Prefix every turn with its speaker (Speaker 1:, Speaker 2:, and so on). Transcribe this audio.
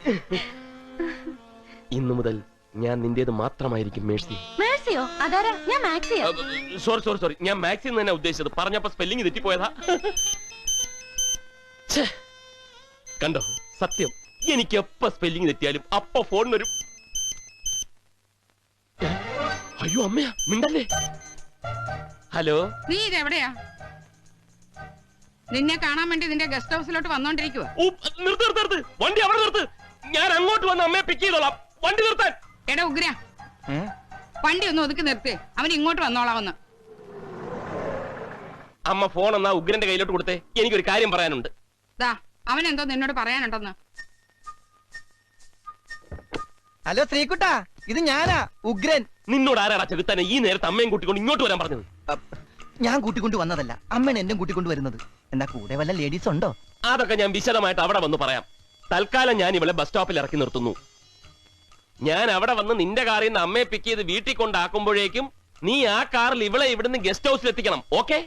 Speaker 1: ഇന്നു മുതൽ ഞാൻ നിന്റേത് മാത്രമായിരിക്കും മേഴ്സി.
Speaker 2: മേഴ്സിയോ? അതാരാ? ഞാൻ മാക്സിയാ.
Speaker 1: സോറി, ഞാൻ മാക്സി എന്ന് തന്നെ ഉദ്ദേശിച്ചത്. പറഞ്ഞപ്പോ സ്പെല്ലിംഗ് തെറ്റിപ്പോയതാ. കണ്ടോ, സത്യം, എനിക്ക് എപ്പോ സ്പെല്ലിംഗ് തെറ്റിയാലും അപ്പൊ ഫോൺ വരും. അയ്യോ അമ്മയാ, മിണ്ടല്ലേ. ഹലോ,
Speaker 3: നീ ഇതെവിടെയാ? നിന്നെ കാണാൻ വേണ്ടി നിന്റെ ഗസ്റ്റ് ഹൗസിലോട്ട് വന്നോണ്ടിരിക്കുവോ?
Speaker 1: നിർത്ത്, വണ്ടി അവിടെ നിർത്ത്. ഞാൻ അങ്ങോട്ട് വന്ന് അമ്മയെ പിക്ക് ചെയ്തോളാം. വണ്ടി നിർത്താൻ.
Speaker 3: എടാ ഉഗ്ര, വണ്ടി ഒന്ന് ഒതുക്കി നിർത്തി. അവൻ ഇങ്ങോട്ട് വന്നോളാവന്ന്.
Speaker 1: അമ്മ ഫോൺ എന്നാ ഉഗ്രന്റെ കയ്യിലോട്ട് കൊടുത്തേ. എനിക്കൊരു കാര്യം പറയാനുണ്ട്.
Speaker 3: ദാ, അവൻ എന്തോ നിന്നോട് പറയാനുണ്ടെന്ന്.
Speaker 4: ഹലോ ശ്രീകുട്ടാ, ഇത് ഞാനാ ഉഗ്രൻ.
Speaker 1: നിന്നോട് ആരാടാ ചെകുത്താനെ ഈ നേരത്തെ അമ്മയും കൂട്ടിക്കൊണ്ട് ഇങ്ങോട്ട് വരാൻ പറഞ്ഞത്?
Speaker 4: ഞാൻ കൂട്ടിക്കൊണ്ട് വന്നതല്ല, അമ്മയാണ് എന്നെ കൂട്ടിക്കൊണ്ട് വരുന്നത്. എന്നാ കൂടെ വല്ല ലേഡീസ് ഉണ്ടോ?
Speaker 1: അതൊക്കെ ഞാൻ വിശദമായിട്ട് അവിടെ വന്ന് പറയാം. തൽക്കാലം ഞാൻ ഇവളെ ബസ് സ്റ്റോപ്പിൽ ഇറക്കി നിർത്തുന്നു. ഞാൻ അവിടെ വന്ന് നിന്റെ കാറിൽ നിന്ന് അമ്മയെ പിക്ക് ചെയ്ത് വീട്ടിൽ കൊണ്ടാക്കുമ്പോഴേക്കും നീ ആ കാറിൽ ഇവളെ ഇവിടുന്ന് ഗസ്റ്റ് ഹൗസിൽ എത്തിക്കണം. ഓക്കെ?